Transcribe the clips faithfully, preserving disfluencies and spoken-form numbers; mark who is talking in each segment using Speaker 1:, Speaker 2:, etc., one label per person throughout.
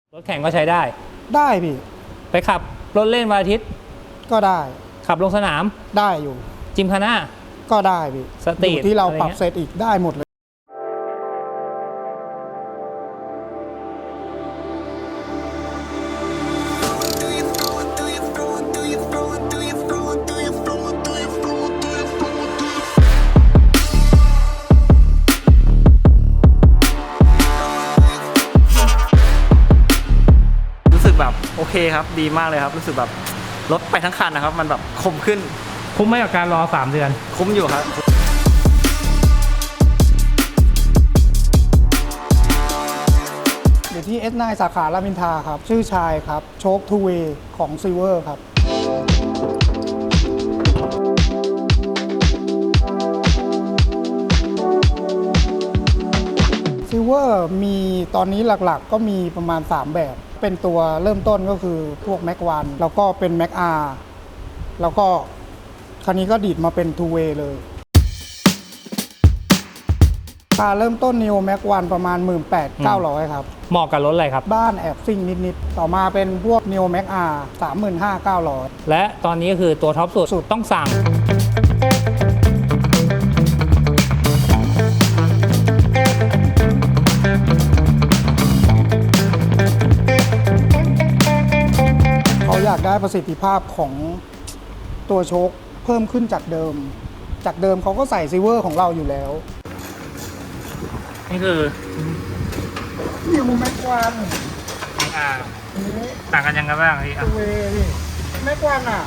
Speaker 1: รถแข่งก็ใช้ได้
Speaker 2: ได้พี่
Speaker 1: ไปขับรถเล่นวันอาทิตย์
Speaker 2: ก็ได้
Speaker 1: ขับลงสนาม
Speaker 2: ได้อยู่
Speaker 1: จิมคาน่า
Speaker 2: ก็ได้พี่
Speaker 1: สตรีท
Speaker 2: ที่เราปรับเซตอีกได้หมดเลย
Speaker 3: รู้สึกแบบโอเคครับดีมากเลยครับรู้สึกแบบรถไปทั้งคันนะครับมันแบบคมขึ้น
Speaker 1: คุ้มไหมกับการรอสามเดือน
Speaker 3: คุ้มอยู่ครับ
Speaker 2: อยู่ที่ เอส ไนน์ สาขารามอินทราครับชื่อชายครับโชคทูเวย์ของซิลเวอร์ครับซิลเวอร์มีตอนนี้หลักๆก็มีประมาณสามแบบเป็นตัวเริ่มต้นก็คือพวกแม็กวันแล้วก็เป็นแม็กอาร์แล้วก็คันนี้ก็ดีดมาเป็นทูเวย์เลยราคาเริ่มต้น Neo Max วันประมาณ หนึ่งหมื่นแปดพันเก้าร้อย ครับ
Speaker 1: เหมาะกับรถอะไรครับ
Speaker 2: บ้านแอบซิ่งนิดๆต่อมาเป็นพวก Neo Max R สามหมื่นห้าพันเก้าร้อย
Speaker 1: และตอนนี้ก็คือตัวท็อปสุดสุดต้องสั่ง
Speaker 2: เขาอยากได้ประสิทธิภาพของตัวโชคเพิ่มขึ้นจากเดิมจากเดิมเขาก็ใส่ซิลเวอร์ของเราอยู่แล้ว
Speaker 1: นี่คือ
Speaker 2: Neo Max วัน
Speaker 1: อ่าต่างกันยังไงบ้างพี่
Speaker 2: ทูเวย์พี่แม็กวันอ่ะ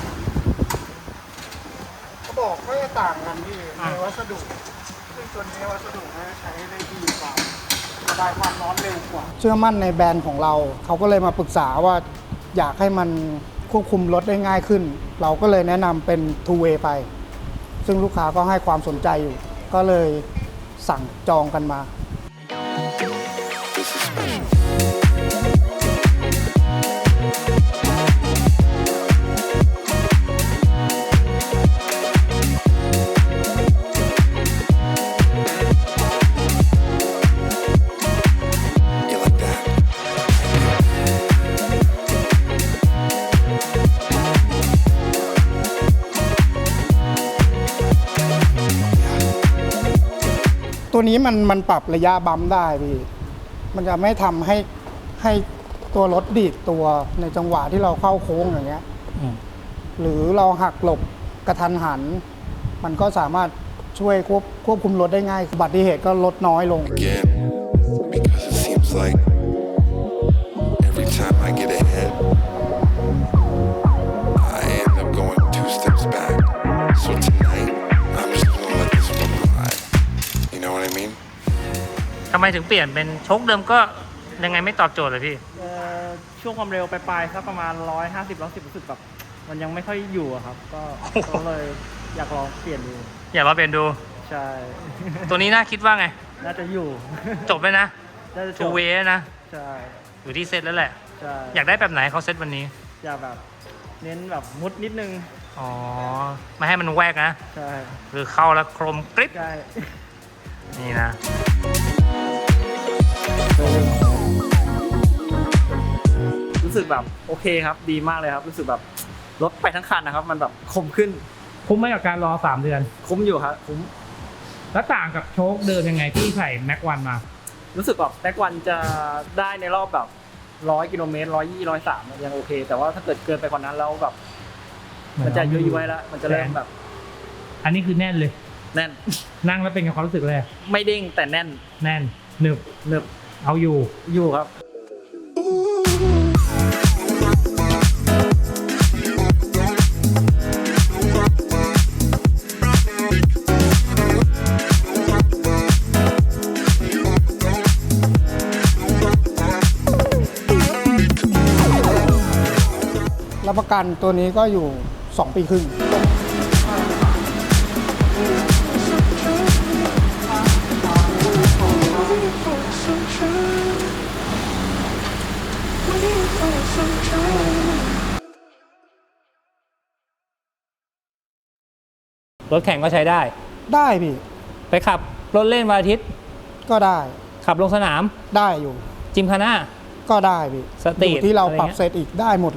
Speaker 2: เขาบอกเขาจะต่างกันที่ในวัสดุซึ่งตัวนี้วัสดุเขาใช้ได้ดีกว่าระบายความร้อนเร็วกว่าเชื่อมั่นในแบรนด์ของเราเขาก็เลยมาปรึกษาว่าอยากให้มันควบคุมรถได้ง่ายขึ้นเราก็เลยแนะนำเป็น ทูเวย์ ไปซึ่งลูกค้าก็ให้ความสนใจอยู่ก็เลยสั่งจองกันมาตัวนี้มันมันปรับระยะบัมป์ได้พี่มันจะไม่ทำให้ให้ตัวรถดีดตัวในจังหวะที่เราเข้าโค้งอย่างเงี้ยหรือเราหักหลบกระทันหันมันก็สามารถช่วยควบควบคุมรถได้ง่ายอุบัติเหตุก็ลดน้อยลง
Speaker 4: Again, because it seems like every time I get ahead, I end up going two steps back. So tonight, I'm just gonna let this one ride. You know what I mean?
Speaker 1: ทำไมถึงเปลี่ยนเป็นโชคเดิมก็ยังไงไม่ตอบโจทย์เลยพี่
Speaker 3: ช่วงความเร็วปลายๆสักประมาณหนึ่งร้อยห้าสิบ หนึ่งร้อยสิบรู้สึกแบบมันยังไม่ค่อยอยู่อะครับก็ก็เลยอยากลองเปลี่ยนดู
Speaker 1: อยากลองเปลี่ยนดู
Speaker 3: ใช่
Speaker 1: ตัวนี้น่าคิดว่าไง
Speaker 3: น่าจะอยู่
Speaker 1: จบเลยนะทูเวย์นะ
Speaker 3: ใช่
Speaker 1: อยู่ที่เซตแล้วแหละ
Speaker 3: ใช่
Speaker 1: อยากได้แบบไหนเขาเซตวันนี้
Speaker 3: อยากแบบเน้นแบบมุดนิดนึง
Speaker 1: อ๋อไม่ให้มันแวกนะ
Speaker 3: ใช่
Speaker 1: คือเข้าแล้วโครมกริบ
Speaker 3: ใช่
Speaker 1: นี่นะ
Speaker 3: รู้สึกแบบโอเคครับดีมากเลยครับรู้สึกแบบรถไปทั้งคันนะครับมันแบบคมขึ้น
Speaker 1: คุ้มไหมกับการรอสามเดือน
Speaker 3: คุ้มอยู่ครับคุ้ม
Speaker 1: แล้วต่างกับโชคเดิมยังไงที่ใส่แม็กวันมา
Speaker 3: รู้สึกแบบแม็กวันจะได้ในรอบแบบร้อยกิโลเมตรร้อยยี่ร้อยสามยังโอเคแต่ว่าถ้าเกิดเกินไปกว่านั้นแล้วแบบมันจะยุ่ยไว้แล้วมันจะเริ่มแบบ
Speaker 1: อันนี้คือแน่นเลย
Speaker 3: แน่น
Speaker 1: นั่งแล้วเป็นกับความรู้สึกเลย
Speaker 3: ไม่เด้งแต่แน่น
Speaker 1: แน่นหนึบ
Speaker 3: หนึบ
Speaker 1: เอาอยู่
Speaker 3: อยู่ครับ
Speaker 2: รับประกันตัวนี้ก็อยู่สองปีครึ่ง
Speaker 1: รถแข่งก็ใช้ได้
Speaker 2: ได้พี่
Speaker 1: ไปขับรถเล่นวันอาทิตย์
Speaker 2: ก็ได้
Speaker 1: ขับลงสนาม
Speaker 2: ได้อยู่
Speaker 1: จิมคาน่า
Speaker 2: ก็ได้พี่
Speaker 5: สตรีท
Speaker 2: อยู่ที่เรา
Speaker 5: อะไร
Speaker 2: ปรับ
Speaker 5: เงี้ย
Speaker 2: เซตอีกได้หมด